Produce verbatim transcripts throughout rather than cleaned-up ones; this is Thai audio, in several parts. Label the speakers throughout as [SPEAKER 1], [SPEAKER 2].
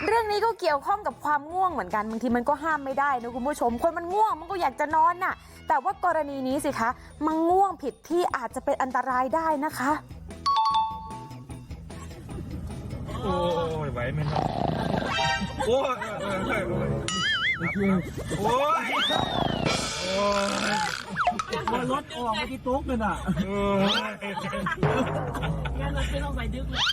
[SPEAKER 1] เรื่องนี้ก็เกี่ยวข้องกับความง่วงเหมือนกันบางทีมันก็ห้ามไม่ได้นะคุณผู้ชมคนมันง่วงมันก็อยากจะนอนน่ะแต่ว่ากรณีนี้สิคะมันง่วงผิดที่อาจจะเป็นอันตรายได้นะคะ
[SPEAKER 2] โอ้ยไหวไหมครับโอ้ยโอ้ยโอ้ยโอ้ยโอ้ย
[SPEAKER 3] ว่ารถออกมาที่โต๊ะเลยน่ะงั้นเราไม่ต้องใส่ดึกเลย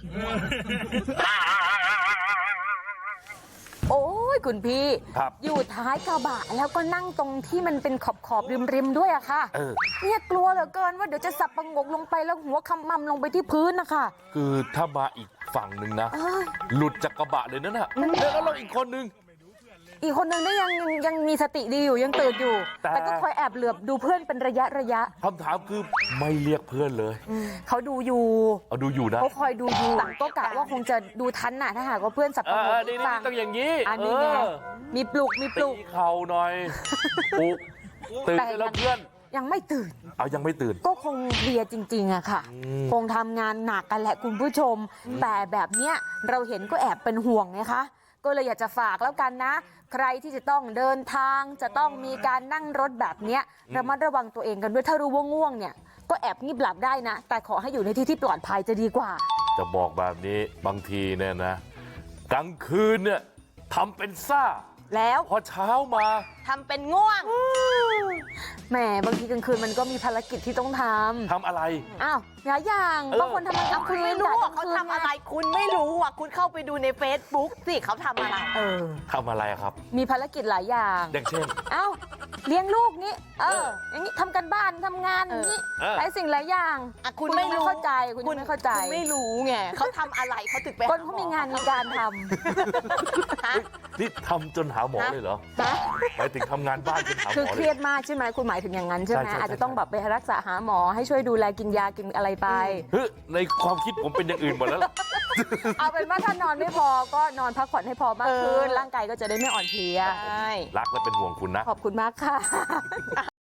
[SPEAKER 1] โอ้ยคุณพี่
[SPEAKER 2] ครับ
[SPEAKER 1] อยู่ท้ายกระบะแล้วก็นั่งตรงที่มันเป็นขอบขอบริมริมๆด้วยอะค่ะเนี่ยกลัวเหลือเกินว่าเดี๋ยวจะสับประงกลงไปแล้วหัวคำมั่มลงไปที่พื้นนะคะ
[SPEAKER 4] คือถ้ามาอีกฝั่งหนึ่งนะหลุดจากกระบะเลยนั่นน่ะแล้วเราอีกคนนึง
[SPEAKER 1] อีกคนนึงนี่ยังยังมีสติดีอยู่ยังตื่นอยู่ แต่ก็คอยแอบเหลือบดูเพื่อนเป็นระยะระยะ
[SPEAKER 4] คำถามคือไม่เรียกเพื่อนเลย
[SPEAKER 1] เขาดูอยู่
[SPEAKER 4] เอาดูอยู่นะ
[SPEAKER 1] เขาคอยดูอยู่ก็กะว่าคงจะดูทันน่ะถ้าหากว่าเพื่อนสับปะรด
[SPEAKER 4] นี่ต้องอย่างนี้
[SPEAKER 1] อันนี้ไงมีปลุกมีปลุก
[SPEAKER 4] เข่าหน่อยปลุกตื่นแล้วเพื่อน
[SPEAKER 1] ยังไม่ตื่น
[SPEAKER 4] เอายังไม่ตื่น
[SPEAKER 1] ก็คงเพลียจริงๆอะค่ะคงทำงานหนักกันแหละคุณผู้ชมแต่แบบเนี้ยเราเห็นก็แอบเป็นห่วงไงคะก็เลยอยากจะฝากแล้วกันนะใครที่จะต้องเดินทางจะต้องมีการนั่งรถแบบเนี้ยระมัดระวังตัวเองกันด้วยถ้ารู้ว่าง่วงเนี่ยก็แอบงีบหลับได้นะแต่ขอให้อยู่ในที่ที่ปลอดภัยจะดีกว่า
[SPEAKER 4] จะบอกแบบนี้บางทีเนี่ยนะกลางคืนเนี่ยทำเป็นซ่า
[SPEAKER 1] แล้ว
[SPEAKER 4] พอเช้ามา
[SPEAKER 1] ทำเป็นง่วงแหมบางทีกลางคืนมันก็มีภารกิจที่ต้องทำ
[SPEAKER 4] ทำอะไร
[SPEAKER 1] อ้าวหลายอย่างบางคนทำอะไร
[SPEAKER 5] คุณไม่รู้ว่าเขาทำอะไรคุณไม่รู้อ่ะคุณเข้าไปดูใน Facebook สิเขาทำอะไร
[SPEAKER 1] เออ
[SPEAKER 4] ทำอะไรครับ
[SPEAKER 1] มีภารกิจหลายอย่าง
[SPEAKER 4] อย่างเช่น
[SPEAKER 1] อ้าวเลี้ยงลูกนี้เอออย่างนี้ทำกันบ้านทำงานอย่างนี้หลายสิ่งหลายอย่าง
[SPEAKER 5] คุณไม่
[SPEAKER 1] เข้าใจคุณไม่เข้าใจ
[SPEAKER 5] คุณไม่รู้ไงเขาทำอะไรเขาถึงไป
[SPEAKER 1] คนเขามีงานมีการท
[SPEAKER 4] ำนี่ทำจนหาหมอเลยเหรอไปถึงทำงานบ้านจนหาหมอ
[SPEAKER 1] คือเครียดมากใช่ไหมคุณหมายถึงอย่างนั้นใช่ไหมอาจจะต้องแบบไปรักษาหาหมอให้ช่วยดูแลกินยากินอะไรไป
[SPEAKER 4] เฮ้ยในความคิดผมเป็นอย่างอื่นหมดแล้ว
[SPEAKER 1] เอาเป็นว่าถ้านอนไม่พอก็นอนพักผ่อนให้พอมากขึ้นร่างกายก็จะได้ไม่อ่อนเพลีย
[SPEAKER 4] รักและเป็นห่วงคุณนะ
[SPEAKER 1] ขอบคุณมากค่ะ